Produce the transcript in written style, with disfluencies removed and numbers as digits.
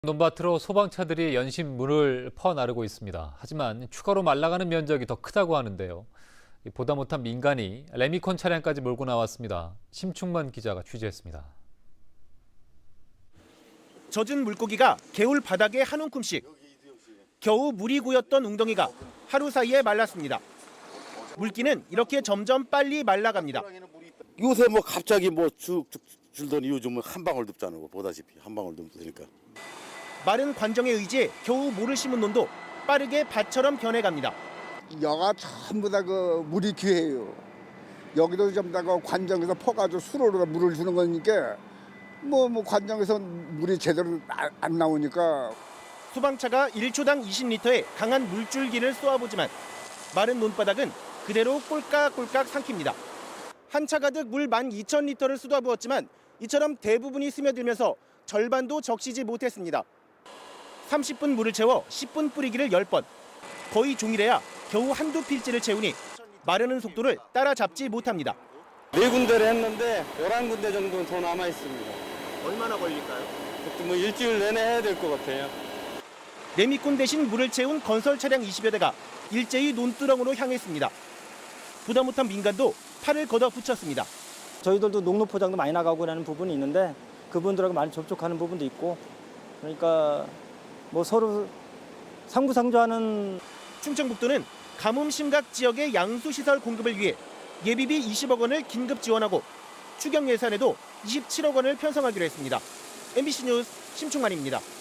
논밭으로 소방차들이 연신 물을 퍼나르고 있습니다. 하지만 추가로 말라가는 면적이 더 크다고 하는데요. 보다 못한 민간이 레미콘 차량까지 몰고 나왔습니다. 심충만 기자가 취재했습니다. 젖은 물고기가 개울 바닥에 한 움큼씩. 겨우 물이 고였던 웅덩이가 하루 사이에 말랐습니다. 물기는 이렇게 점점 빨리 말라갑니다. 요새 갑자기 쭉 줄더니 요즘은 한 방울도 없잖아. 보다시피 한 방울도 없으니까. 마른 관정에 의지해 겨우 모를 심은 논도 빠르게 밭처럼 변해갑니다. 여가 전부 다 물이 귀해요. 여기도 전부 다 관정에서 퍼가지고 수로로 물을 주는 거니까 관정에서 물이 제대로 안 나오니까. 소방차가 1초당 20리터의 강한 물줄기를 쏘아보지만 마른 논바닥은 그대로 꼴깍꼴깍 삼킵니다. 한 차 가득 물 12,000리터를 쏟아부었지만 이처럼 대부분이 스며들면서 절반도 적시지 못했습니다. 30분 물을 채워 10분 뿌리기를 10번. 거의 종일해야 겨우 한두 필지를 채우니 마르는 속도를 따라잡지 못합니다. 4군데를 했는데 11군데 정도는 더 남아 있습니다. 얼마나 걸릴까요? 그것도 일주일 내내 해야 될 것 같아요. 레미콘 대신 물을 채운 건설 차량 20여 대가 일제히 논두렁으로 향했습니다. 부담 못한 민간도 팔을 걷어 붙였습니다. 저희들도 농로 포장도 많이 나가고 하는 부분이 있는데 그분들하고 많이 접촉하는 부분도 있고, 그러니까 서로 상부상조하는. 충청북도는 가뭄 심각 지역의 양수시설 공급을 위해 예비비 20억 원을 긴급 지원하고 추경 예산에도 27억 원을 편성하기로 했습니다. MBC 뉴스 심충만입니다.